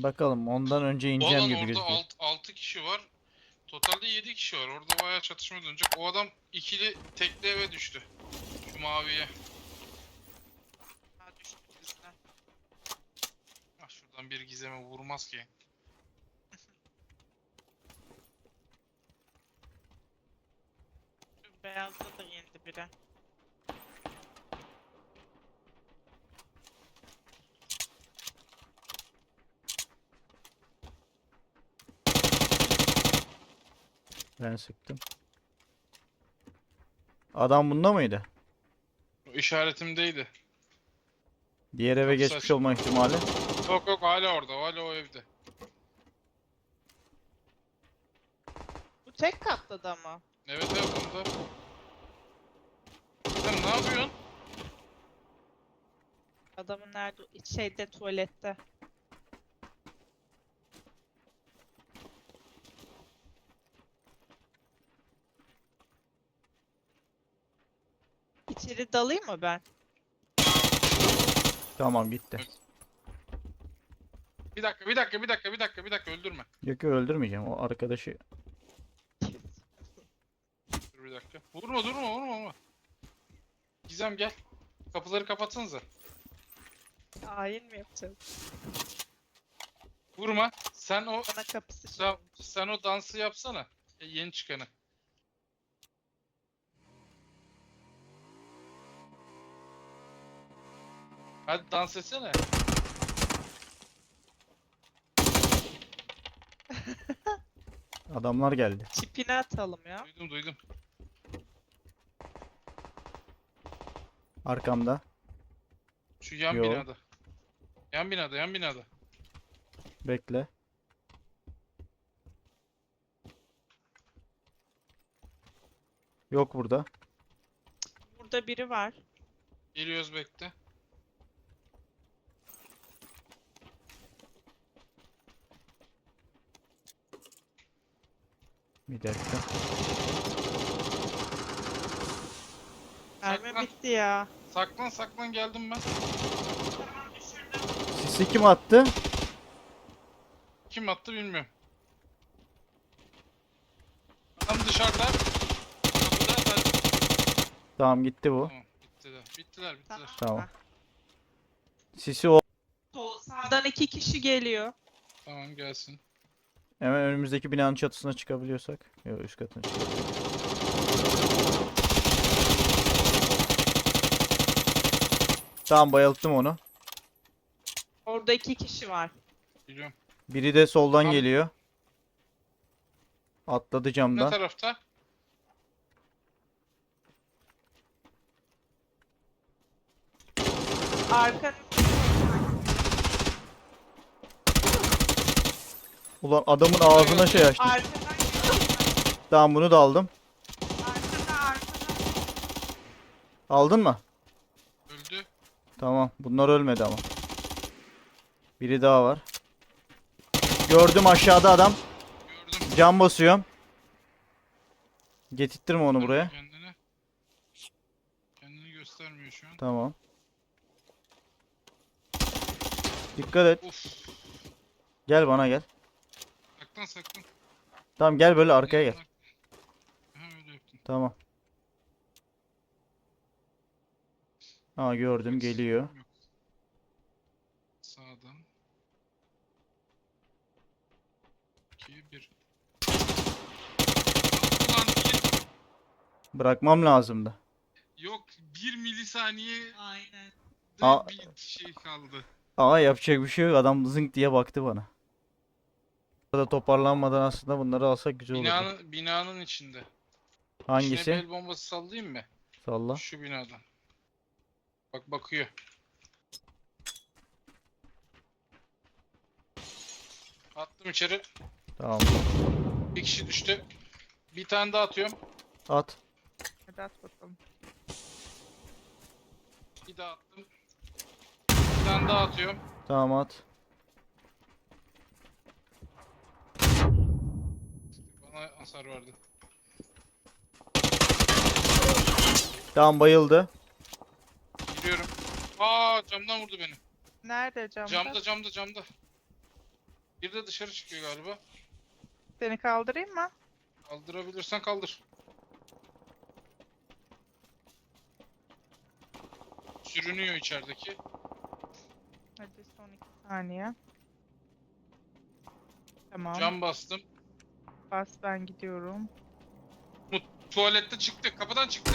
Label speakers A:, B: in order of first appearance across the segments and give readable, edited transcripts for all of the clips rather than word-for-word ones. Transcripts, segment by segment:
A: Bakalım ondan önce ineceğim
B: Olan
A: gibi
B: orada
A: gözüküyor.
B: 6 kişi var. Totalde 7 kişi var. Orada bayağı çatışma dönecek. O adam ikili tekli eve düştü. Şu maviye.
C: Ha, düştü bizden.
B: Ah, şuradan bir gizeme vurmaz ki.
C: Şu beyazda da indi biri.
A: Ben sıktım. Adam bunda mıydı?
B: O işaretimdeydi.
A: Diğer eve
B: Kapısı
A: geçmiş
B: açık.
A: olma ihtimali.
B: Yok yok, hala orada. Hala o evde.
C: Bu tek katta da mı?
B: Evet evet, bunda. Sen ne yapıyorsun?
C: Adamın nerede? Şeyde, tuvalette. İçeri dalayım mı ben?
A: Tamam gitti.
B: Bir dakika, öldürme.
A: Yok yok, öldürmeyeceğim. O arkadaşı.
B: Dur bir dakika. Vurma. Gizem gel. Kapıları kapatsanıza.
C: Hain mi yapacağız?
B: Vurma. Sen o
C: Bana kapısı şey.
B: sen o dansı yapsana. Yeni çıkanı. Hadi dans etsene.
A: Adamlar geldi.
C: Çipini atalım ya.
B: Duydum.
A: Arkamda.
B: Şu yan
A: Yo.
B: binada. Yan binada.
A: Bekle. Yok burada.
C: Burada biri var.
B: Geliyoruz, bekle.
A: Bir dakika.
C: Mermi
B: Saklan.
C: bitti ya.
B: Saklan, geldim ben.
C: Tamam, düşürdüm.
A: Sisi kim attı?
B: Kim attı bilmiyorum. Adam dışarıda. Kapıda.
A: Tamam gitti bu.
B: Tamam, bittiler.
A: Tamam.
C: Ha.
A: Sisi o.
C: Sağdan 2 kişi geliyor.
B: Tamam, gelsin.
A: Hemen önümüzdeki binanın çatısına çıkabiliyorsak. Yok, üst katına çıkabiliyorsak. Tamam, bayılttım onu.
C: Orada 2 kişi var.
B: Biliyorum.
A: Biri de soldan
B: Tam-
A: geliyor. Atladı
B: Ne
A: camdan.
B: tarafta?
C: Arkanız.
A: Ulan adamın ağzına şey açtı.
C: Arkadan geliyor.
A: Tamam, bunu da aldım.
C: Arkada.
A: Aldın mı?
B: Öldü.
A: Tamam. Bunlar ölmedi ama. Biri daha var. Gördüm, aşağıda adam.
B: Gördüm.
A: Cam basıyorum. Getirttirme onu buraya.
B: Kendini göstermiyor şu an.
A: Tamam. Dikkat et.
B: Uf.
A: Gel bana gel.
B: Saklan.
A: Tamam, gel böyle arkaya gel.
B: Ha, öyle yaptım.
A: Tamam. Aa, gördüm, geliyor.
B: Yok. Sağdan. 2 1. Ulan
A: Bırakmam lazımdı.
B: yok, 1 milisaniye
C: Aynen.
A: Aa.
B: bir şey kaldı.
A: Aa, yapacak bir şey yok. Adam zınk diye baktı bana. Burada toparlanmadan aslında bunları alsak güzel olurdu.
B: Binanın içinde. İçine bir
A: Hangisi?
B: el bombası sallayayım mı?
A: Salla.
B: Şu binadan. Bak, bakıyor. Attım içeri.
A: Tamam.
B: Bir kişi düştü. Bir tane daha atıyorum.
A: At.
C: Hadi at bakalım.
B: Bir daha attım. Bir tane daha atıyorum.
A: Tamam, at.
B: Bana hasar verdi.
A: Tamam, bayıldı.
B: Giriyorum. Aa, camdan vurdu beni.
C: Nerede camda?
B: Camda. Bir de dışarı çıkıyor galiba.
C: Seni kaldırayım mı?
B: Kaldırabilirsen kaldır. Sürünüyor içerideki.
C: Hadi son 2 saniye. Tamam.
B: Cam bastım.
C: Bas, ben gidiyorum.
B: Tuvalette çıktı. Kapıdan çıktı.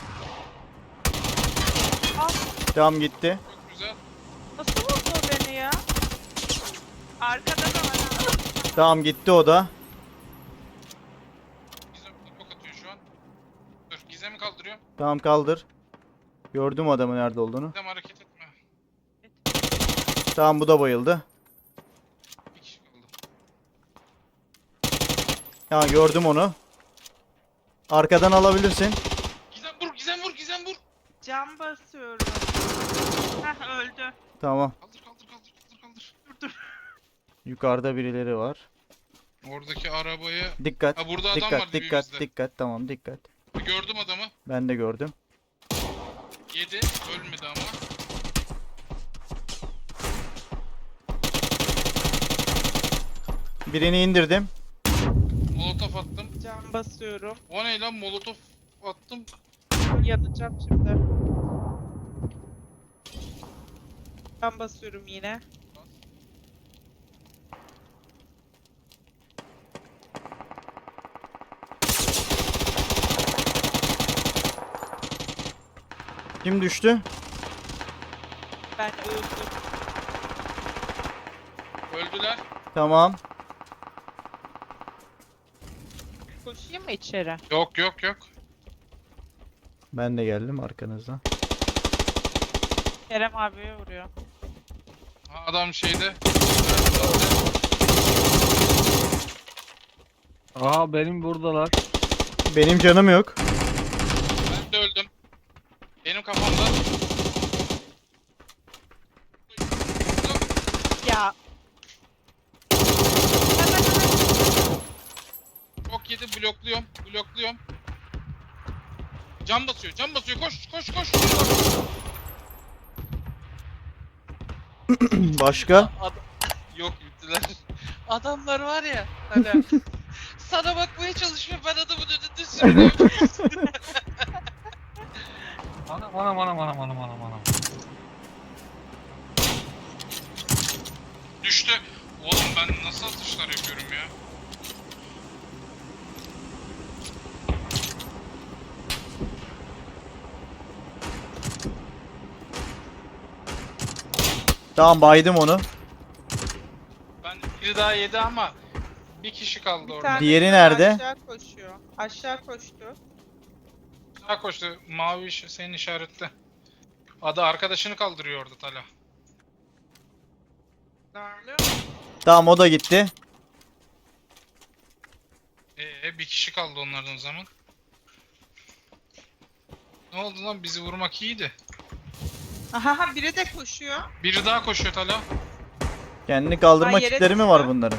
A: Tamam gitti.
B: Çok güzel.
C: Nasıl vurdu o beni ya? Arkada da var ha.
A: Tamam gitti o da.
B: Gizem ok atıyor şu an. Dur Gizem'i kaldırıyor.
A: Tamam kaldır. Gördüm adamın nerede olduğunu.
B: Gizem hareket etme.
A: Tamam bu da bayıldı.
B: Bir kişi kaldı.
A: Ya gördüm onu. Arkadan alabilirsin.
B: Gizem vur, Gizem vur, Gizem vur.
C: Cam basıyorum. Heh, öldü.
A: Tamam.
B: Kaldır, kaldır, kaldır, kaldır, kaldır.
A: Yukarıda birileri var.
B: Oradaki arabaya...
A: Dikkat.
B: Ha burada adam
A: Dikkat,
B: var
A: dikkat,
B: dibimizde.
A: dikkat. Tamam dikkat.
B: Gördüm adamı.
A: Ben de gördüm.
B: Yedi. Ölmedi ama.
A: Birini indirdim.
B: Molotof attım.
C: Cam basıyorum.
B: O ne lan? Molotof attım.
C: Yanacağım şimdi. Cam basıyorum yine.
A: Kim düştü?
C: Ben öldüm.
B: Öldüler.
A: Tamam.
C: Koşayım mı içeri?
B: Yok, yok, yok.
A: Ben de geldim arkanızdan.
C: Kerem abiye vuruyor.
B: Ha, adam şeyde.
D: Aha benim buradalar.
A: Benim canım yok.
B: Ben de öldüm. Benim kafamda.
C: Ya. Hemen hemen.
B: Çok yedi. Blokluyorum. Blokluyorum. Cam basıyor. Cam basıyor. Koş, koş, koş.
A: Başka?
B: Yok bittiler. Adamlar var ya hani sana bakmaya çalışıyor ben adamın önünde sürünüyorum.
D: Anam anam anam anam anam anam anam.
B: Düştü. Oğlum ben nasıl atışlar yapıyorum ya?
A: Tamam baydım onu.
B: Ben biri daha yedi ama bir kişi kaldı
C: Bir
B: orada.
C: tane
A: Diğeri
C: daha
A: nerede?
C: Aşağı koşuyor. Aşağı koştu.
B: Sağa koştu. Mavi senin işarette. Adı arkadaşını kaldırıyor orada Tala.
C: Darlıyor mu?
A: Tamam o da gitti.
B: Bir kişi kaldı onlardan o zaman. Ne oldu lan bizi vurmak iyiydi.
C: Aha, biri de koşuyor.
B: Biri daha koşuyor Tala.
A: Kendini kaldırma
C: Ay, yere
A: kitleri mi var
C: düştü.
A: bunların?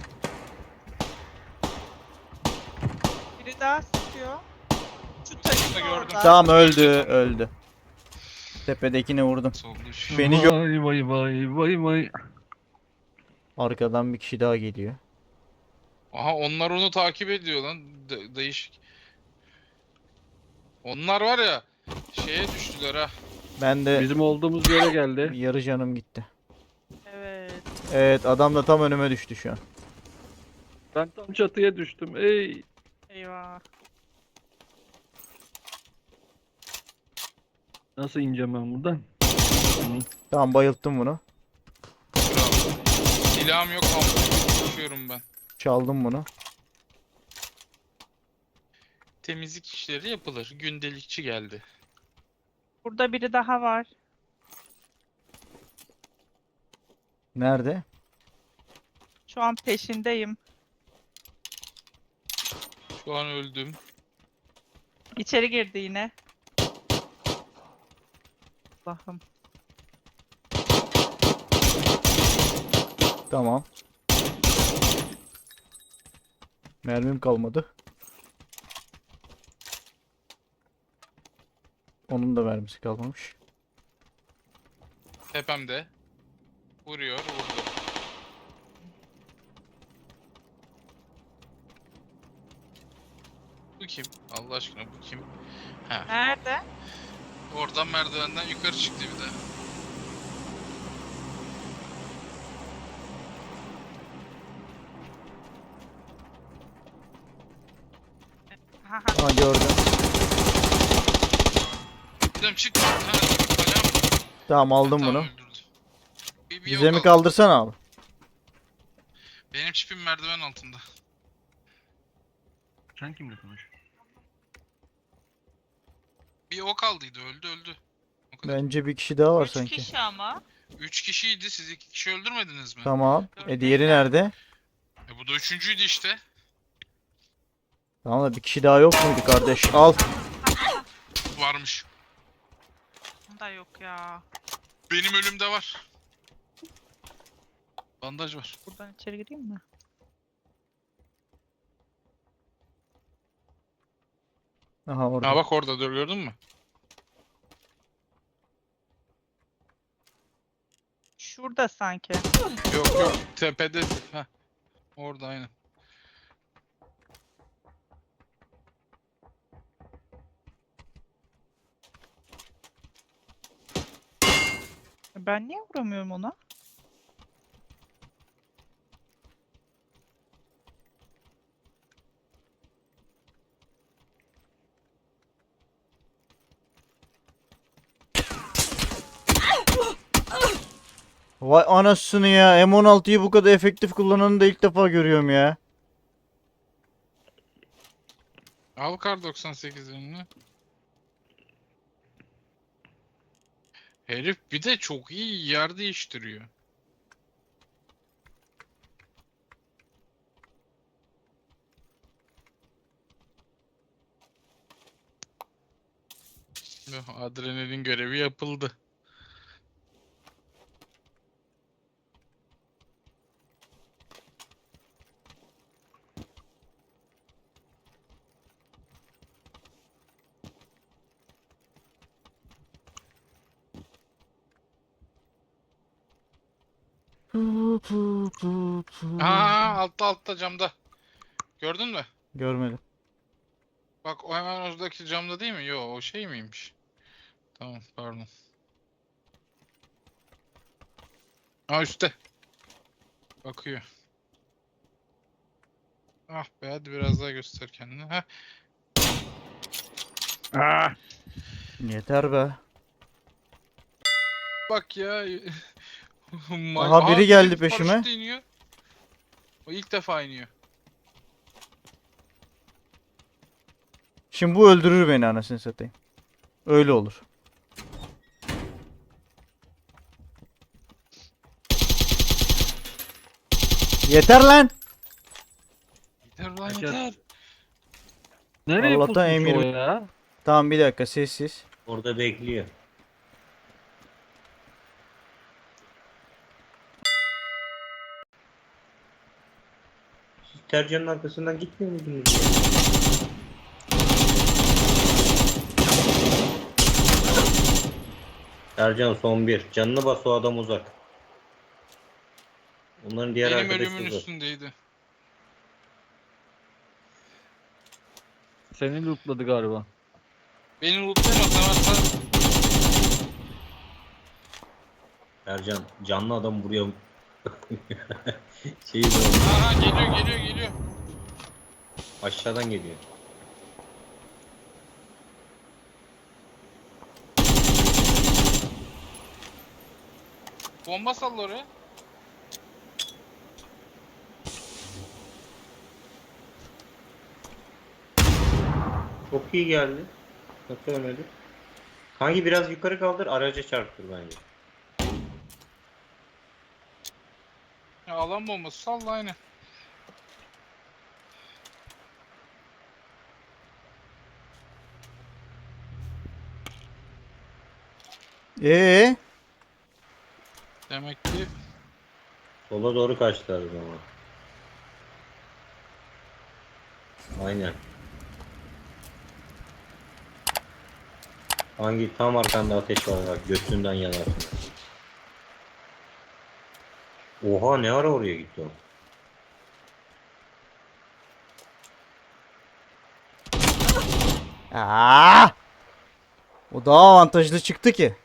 C: Biri daha sıkıyor. Şu taşın
B: gördüm.
C: orada.
A: Tamam öldü, öldü. Tepedekini vurdum.
B: Soldu.
A: Beni gö-
D: Vay vay vay vay vay.
A: Arkadan bir kişi daha geliyor.
B: Aha onlar onu takip ediyor lan. Değişik. Onlar var ya şeye düştüler ha.
A: Ben de
D: Bizim olduğumuz yere geldi.
A: yarı canım gitti.
C: Evet.
A: Evet adam da tam önüme düştü şu an.
D: Ben tam çatıya düştüm. Ey.
C: Eyvah.
D: Nasıl ineceğim ben buradan?
A: Tamam bayılttım bunu.
B: Bravo. Silahım yok ama koşuyorum ben.
A: Çaldım bunu.
B: Temizlik işleri yapılır. Gündelikçi geldi.
C: Burada biri daha var.
A: Nerede?
C: Şu an peşindeyim.
B: Şu an öldüm.
C: İçeri girdi yine. Allah'ım.
A: Tamam. Mermim kalmadı. Onun da mermisi kalmamış.
B: Tepemde. Vuruyor, vurdu. Bu kim? Allah aşkına bu kim? Ha,
C: Nerede?
B: oradan merdivenden yukarı çıktı bir de.
C: Ha,
A: Ha gördüm.
B: Dedim çık. Ha, kalem.
A: Tamam aldım
B: Tamam,
A: bunu.
B: öldürdü. Bir
A: Bize
B: yok
A: mi
B: aldı.
A: kaldırsana abi?
B: Benim çipim merdiven altında.
D: Sen kimle konuşuyorsun?
B: Bir ok kaldıydı, öldü. O kadar.
A: Bence bir kişi daha var
C: 3
A: sanki.
C: kişi ama.
B: 3 kişiydi, siz 2 kişi öldürmediniz mi?
A: Tamam.
C: Dört
A: Diğeri
C: değil.
A: nerede?
B: Bu da üçüncüydü işte.
A: Tamam da bir kişi daha yok muydu kardeş? Al.
B: Varmış.
C: Da yok ya.
B: Benim ölümde var. Bandaj var.
C: Buradan içeri gireyim mi?
A: Aha orada.
B: Ha bak orada dur, gördün mü?
C: Şurada sanki.
B: Yok tepede. Ha. Orada aynen.
C: Ben niye vuramıyorum ona?
A: Vay anasını ya. M16'yı bu kadar efektif kullananı da ilk defa görüyorum ya.
B: Al kar 98 önüne. Herif bir de çok iyi yer değiştiriyor. Adrenalin görevi yapıldı. Aa, altta camda. Gördün mü?
A: Görmedim.
B: Bak o hemen oradaki camda değil mi? Yo, o şey miymiş? Tamam, pardon. Aa, üstte. Bakıyor. Ah be, hadi biraz daha göster kendini. Heh.
D: Ah!
A: Yeter be.
B: Bak ya.
A: Aha, biri geldi
B: herif
A: peşime.
B: paraşütle iniyor. O ilk defa iniyor.
A: Şimdi bu öldürür beni anasını satayım. Öyle olur. Yeter lan.
B: Yeter lan
D: Herkes-
B: yeter.
D: Nereye
A: Allah'tan
D: pusmuş
A: emir-
D: o ya?
A: Tamam bir dakika sessiz.
E: Orada bekliyor. Siz Tercan'ın arkasından gitmiyor muydunuz ya? Tercan son bir. Canını bas, o adam uzak. Onların diğer
B: Benim
E: arkadaşı
B: ölümün
E: uzak.
B: üstündeydi.
D: Seni lootladı galiba.
B: Beni lootlayamaz hemen.
E: Tercan canlı adam buraya şeyi
B: Aha, geliyor.
E: aşağıdan geliyor.
B: Bomba salla oraya.
E: Çok iyi geldi. Nasıl ölmedi? Hangi biraz yukarı kaldır, araca çarptır bence.
B: Ya, alan bombası salla aynen.
A: Ee,
B: Demek ki
E: Sola doğru kaçtılar o zaman. Aynen. Hangi tam arkanda ateş var bak, götünden yanarsın. Oha, ne ara oraya gitti o?
A: Aa! O daha avantajlı çıktı ki.